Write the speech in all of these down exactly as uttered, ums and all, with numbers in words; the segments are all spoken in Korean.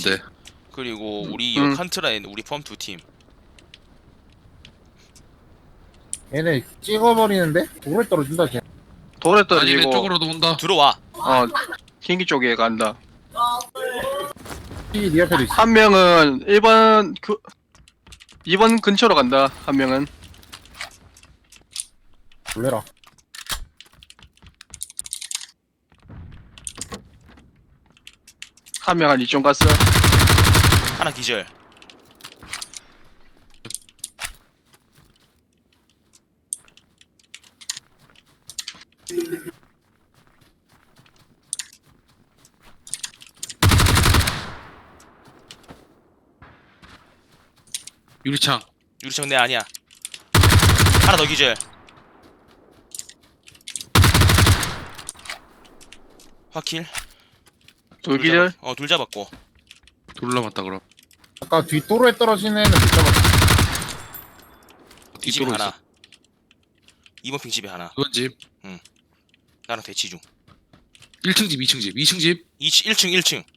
돼. 그리고 우리 음. 요 칸트라에 있는 우리 펌 두 팀. 얘네 찍어버리는데? 돌에 떨어진다 쟤. 돌에 아니 떨어지고 내 쪽으로도 온다. 들어와. 어 흰기 쪽에 간다. 이 네 옆에도 있어. 한 명은 일 번 그 이 번 근처로 간다. 한 명은 놀래라. 한 명은 이쪽 갔어. 하나 기절. 유리창. 유리창 내 아니야. 하나 더 기절. 화킬. 둘 기절. 어, 둘 잡았고. 둘 남았다 그럼. 아까 뒷도로에 떨어지는 애는 못 잡았어. 이 집에 뒷도로 하나. 있어. 이번 핑 집에 하나. 이번 집. 나랑 대치 중. 일 층 집, 이 층 집, 이 층 집. 이 일 층 일 층.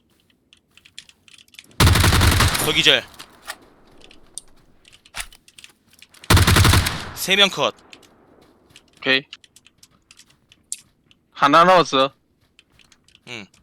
더 기절. 세 명 컷. 오케이. 하나 남았어. 응.